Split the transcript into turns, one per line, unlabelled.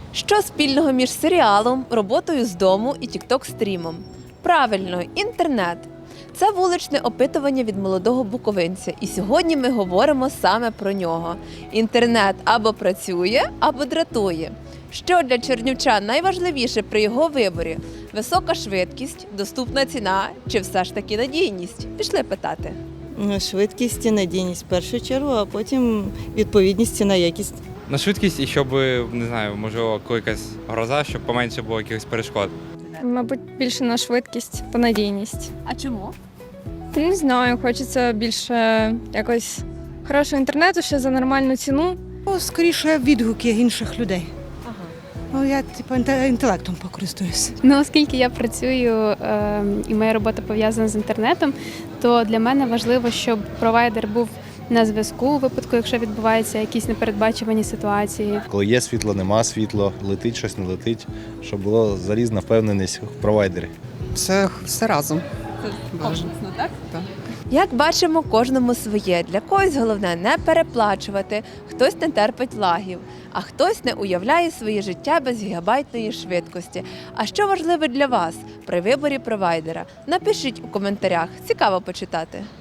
Що спільного між серіалом, роботою з дому і тікток-стрімом? Правильно, інтернет. Це вуличне опитування від молодого буковинця. І сьогодні ми говоримо саме про нього. Інтернет або працює, або дратує. Що для чернівчан найважливіше при його виборі? Висока швидкість, доступна ціна чи все ж таки надійність? Пішли питати.
Швидкість і надійність в першу чергу, а потім відповідність ціна якість.
На швидкість і щоб, не знаю, можливо, коли якась гроза, щоб поменше було якихось перешкод.
Мабуть, більше на швидкість та надійність.
А чому?
Не знаю, хочеться більше якось хорошого інтернету ще за нормальну ціну.
Скоріше відгуки інших людей. Я інтелектом покористуюсь.
Ну, оскільки я працюю і моя робота пов'язана з інтернетом, то для мене важливо, щоб провайдер був на зв'язку у випадку, якщо відбуваються якісь непередбачувані ситуації.
Коли є світло, нема світло, летить щось, не летить, щоб було залізна впевненість в провайдері.
Це все разом.
Комплексно, так? Як бачимо, кожному своє. Для когось головне не переплачувати, хтось не терпить лагів, а хтось не уявляє своє життя без гігабайтної швидкості. А що важливе для вас при виборі провайдера? Напишіть у коментарях, цікаво почитати.